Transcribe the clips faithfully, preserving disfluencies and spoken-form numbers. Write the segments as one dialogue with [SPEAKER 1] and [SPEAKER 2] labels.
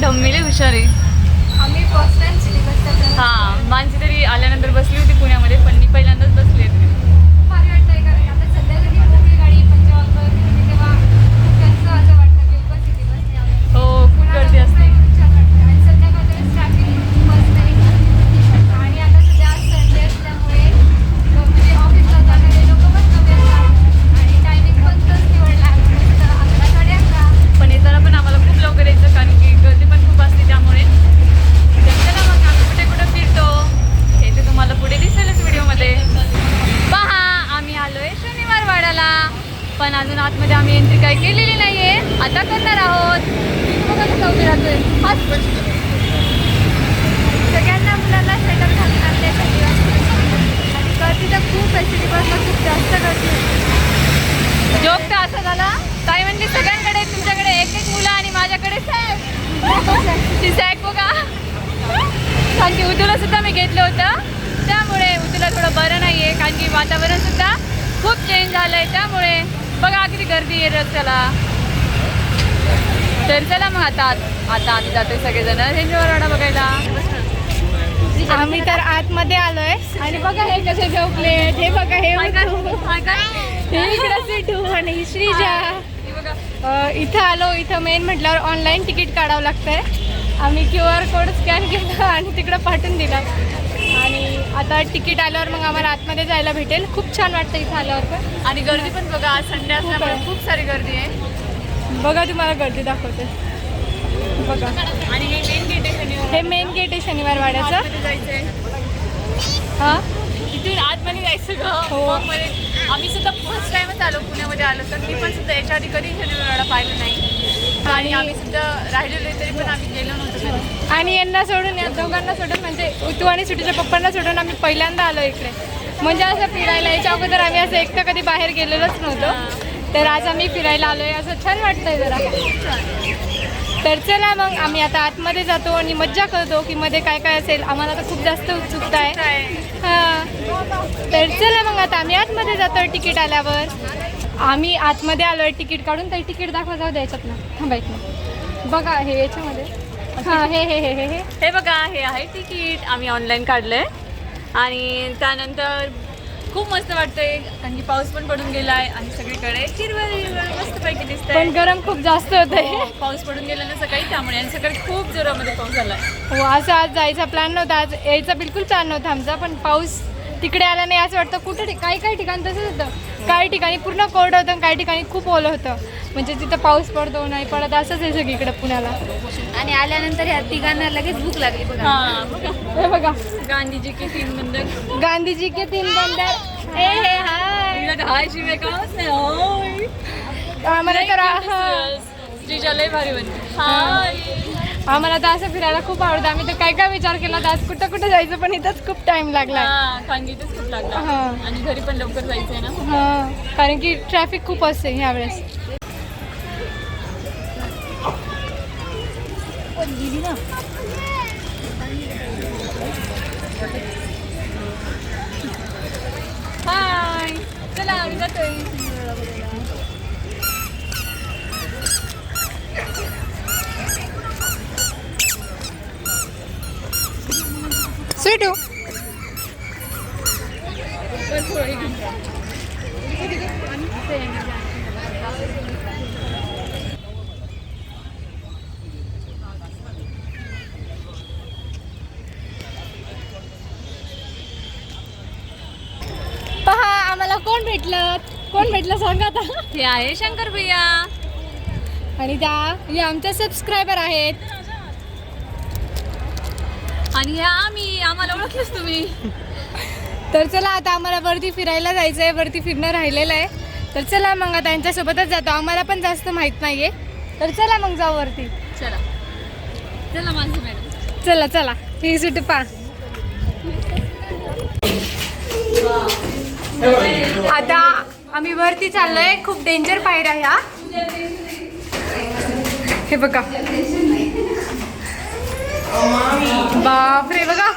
[SPEAKER 1] ठम्मी लय हुशार आहे.
[SPEAKER 2] आम्ही फर्स्ट टाइम सिटी बसच्या
[SPEAKER 1] हां मानसी तरी आल्यानंतर बसली होती पुण्यामध्ये, पण मी पहिल्यांदाच बसली आहे.
[SPEAKER 2] भारी वाटतंय कारण आता सध्या जरी मोठी गाडी पंचवाखर म्हणजे तेव्हा त्यांचं असं वाटतं की उगाच सिटी बसने आलं.
[SPEAKER 1] हो खूप गर्दी असते.
[SPEAKER 2] छान वाटतं आणि संध्याकाळच्या वेळेस ट्रॅफिक बस नाही आणि आता सध्या संडे असल्यामुळे म्हणजे ऑफिसला जाणारे लोक पण कमी असतात आणि टायमिंग पण तोच निवडला अकरा साडे अकरा.
[SPEAKER 1] पण येताना पण आम्हाला खूप लवकर यायचं कारण की गर्दी पण खूप असते त्यामुळे. चला मग आम्ही कुठे कुठे फिरतो हे ते तुम्हाला पुढे दिसेलच व्हिडिओमध्ये. पहा आम्ही आलोय शनिवार वाड्याला, पण अजून आतमध्ये आम्ही एंट्री काही केलेली नाहीये, आता करणार आहोत. बघा कसं उभी राहतोय.
[SPEAKER 2] सगळ्यांना मुलांना स्वेटर घालून आणले गर्दी तर खूप आहे. सिटी बसला खूप जास्त गर्दी होती.
[SPEAKER 1] जोक तर असा झाला, काय म्हणली सगळ्यांकडे तुमच्याकडे एक एक मुलं आणि माझ्याकडे सॅक. ती सॅक बघा कारण की उदूला सुद्धा मी घेतलं होतं, त्यामुळे उदूला थोडं बरं नाही आहे कारण की वातावरण सुद्धा खूप चेंज झालं आहे. त्यामुळे बघा किती गर्दी आहे रस्त्याला. तर चला मग आता आता आम्ही जातोय सगळेजण रेंजवर वाडा बघायला.
[SPEAKER 2] आम्ही तर आतमध्ये आलोय आणि बघा हे कसे झोपले. हे बघा हे हे इकडं सिटू आणि श्रीजा. अ, इथं आलो. इथं मेन म्हटल्यावर ऑनलाईन तिकीट काढावं लागतंय. आम्ही क्यू आर कोड स्कॅन केला आणि तिकडं पाठवून दिला आणि आता तिकीट आल्यावर मग आम्हाला आतमध्ये जायला भेटेल. खूप छान वाटतं इथं आल्यावर पण.
[SPEAKER 1] आणि गर्दी पण बघा आज संडे असल्यामुळे खूप सारी गर्दी आहे.
[SPEAKER 2] बघा तुम्हाला गर्दी दाखवते बघा.
[SPEAKER 1] आणि हे मेन गेट आहे शनिवार.
[SPEAKER 2] हे मेन गेट आहे शनिवार वाड्याचं.
[SPEAKER 1] आतमध्ये जायचंय.
[SPEAKER 2] हां
[SPEAKER 1] इथून आतमध्ये जायचं ग.
[SPEAKER 2] हो.
[SPEAKER 1] मग मध्ये आम्ही सुद्धा फर्स्ट टाइमच आलो पुण्यामध्ये आलो, तर मी पण सुद्धा याच्या आधी कधी शनिवारवाडा पाहिलं नाही आणि आम्ही सुद्धा राहिलेलो तरी पण आम्ही गेलो नव्हतो कधी.
[SPEAKER 2] आणि यांना सोडून या दोघांना सोडून म्हणजे उतू आणि सुटीच्या पप्पांना सोडून आम्ही पहिल्यांदा आलो इकडे. म्हणजे असं फिरायला याच्या अगोदर आम्ही असं एकटं कधी बाहेर गेलेलोच नव्हतो, तर आज आम्ही फिरायला आलोय. असं छान वाटतंय जरा. तर चला मग आम्ही आता आतमध्ये जातो आणि मज्जा करतो की मध्ये काय काय असेल. आम्हाला तर खूप जास्त उत्सुकता आहे. हां तर चला मग आता आम्ही आतमध्ये जातो तिकीट आल्यावर. आम्ही आतमध्ये आलो आहे तिकीट काढून. तर तिकीट दाखवा जाऊ द्यायच्यात ना थांबायचं. बघा हे याच्यामध्ये हां हे हे हे हे हे
[SPEAKER 1] हे बघा हे आहे तिकीट आम्ही ऑनलाईन काढलंय आणि त्यानंतर खूप मस्त वाटतंय कारण की पाऊस पण पडून गेलाय आणि सगळीकडे हिरवळ हिरवळ मस्तपैकी दिसतंय.
[SPEAKER 2] पण गरम खूप जास्त होत आहे.
[SPEAKER 1] हो, पाऊस पडून गेला ना सकाळी त्यामुळे आणि सकाळी खूप जोरामध्ये पाऊस झालाय.
[SPEAKER 2] हो असं आज जायचा प्लॅन नव्हता. आज यायचा बिलकुल प्लॅन नव्हता आमचा, पण पाऊस तिकडे आला नाही असं वाटतं. कुठं काही काही ठिकाणी तसंच होतं. काही ठिकाणी पूर्ण कोरडं होतं आणि काही ठिकाणी खूप ओलं होतं. म्हणजे तिथं पाऊस पडतो नाही पडत असंच आहे सगळीकडे पुण्याला.
[SPEAKER 3] आणि आल्यानंतर ह्या तिघांना लगेच भूक लागली बघा.
[SPEAKER 1] हा बघा
[SPEAKER 2] हे बघा
[SPEAKER 1] गांधीजी के तीन बंदर.
[SPEAKER 2] गांधीजी के तीन बंदर. ए हे हाय
[SPEAKER 1] हाय शिवाय कामच नाही. होय
[SPEAKER 2] आम्हाला तर हा-
[SPEAKER 1] श्रीजा लय भारी बनते. हाय
[SPEAKER 2] आम्हाला तर असं फिरायला खूप आवडतं. आम्ही तर काय काय विचार केला तर आज कुठं कुठं जायचं, पण इथंच खूप टाइम लागला.
[SPEAKER 1] हा सांगितच खूप लागला
[SPEAKER 2] हा.
[SPEAKER 1] आणि घरी पण लवकर जायचंय ना.
[SPEAKER 2] हां कारण की ट्रॅफिक खूप असते ह्यावेळेस.
[SPEAKER 1] हाय चला आम्ही जातोय.
[SPEAKER 2] स्वीटू पहा आम्हाला कोण भेटलं कोण भेटलं सांगा आता.
[SPEAKER 1] हे आहे शंकर भैया
[SPEAKER 2] आणि त्या हे आमच्या सबस्क्रायबर आहेत.
[SPEAKER 1] आणि ह्या आम्ही आम्हाला ओळखलंच तुम्ही.
[SPEAKER 2] तर चला आता आम्हाला वरती फिरायला जायचं आहे. वरती फिरणं राहिलेलं आहे. तर चला मग आता यांच्यासोबतच जातो. आम्हाला पण जास्त माहीत नाही आहे. तर चला मग जाऊ वरती.
[SPEAKER 1] चला चला माझी मॅडम.
[SPEAKER 2] चला चला ही सुट पा. आता आम्ही वरती चाललोय. खूप डेंजर पायऱ्या ह्या. हे बघा बापरे बघा.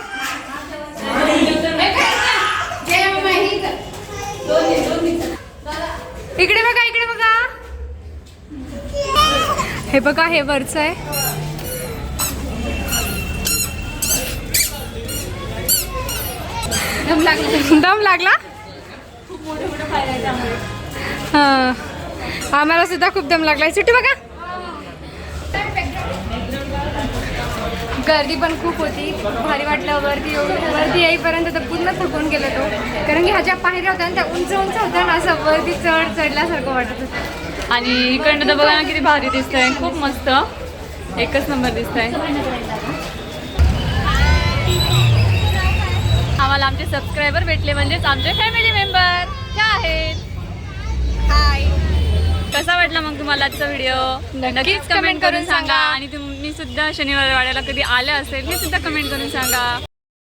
[SPEAKER 2] इकडे बघा इकडे बघा. हे बघा हे वरचं आहे.
[SPEAKER 3] दम लागला.
[SPEAKER 2] दम लागला. हां आम्हाला सुद्धा खूप दम लागलाय. सुट्टी बघा गर्दी पण खूप होती. भारी वाटलं. वरती वरती येईपर्यंत तर पूर्ण थकून गेलो तो, कारण की ह्या ज्या पायऱ्या होत्या ना त्या उंच उंच होत्या ना, असं वरती चढ चढल्यासारखं वाटत होतं.
[SPEAKER 1] आणि इकडनं तर बघा ना किती भारी दिसतंय. खूप मस्त एकच नंबर दिसतंय. आम्हाला आमचे सबस्क्रायबर भेटले म्हणजेच आमचे फॅमिली मेंबर ह्या आहेत.
[SPEAKER 2] हाय
[SPEAKER 1] कसा वाटला मग तुम्हाला आजचा व्हिडिओ नक्कीच कमेंट करून सांगा. आणि तुम्ही सुद्धा शनिवार वाड्याला कधी आले असेल हे सुद्धा कमेंट करून सांगा.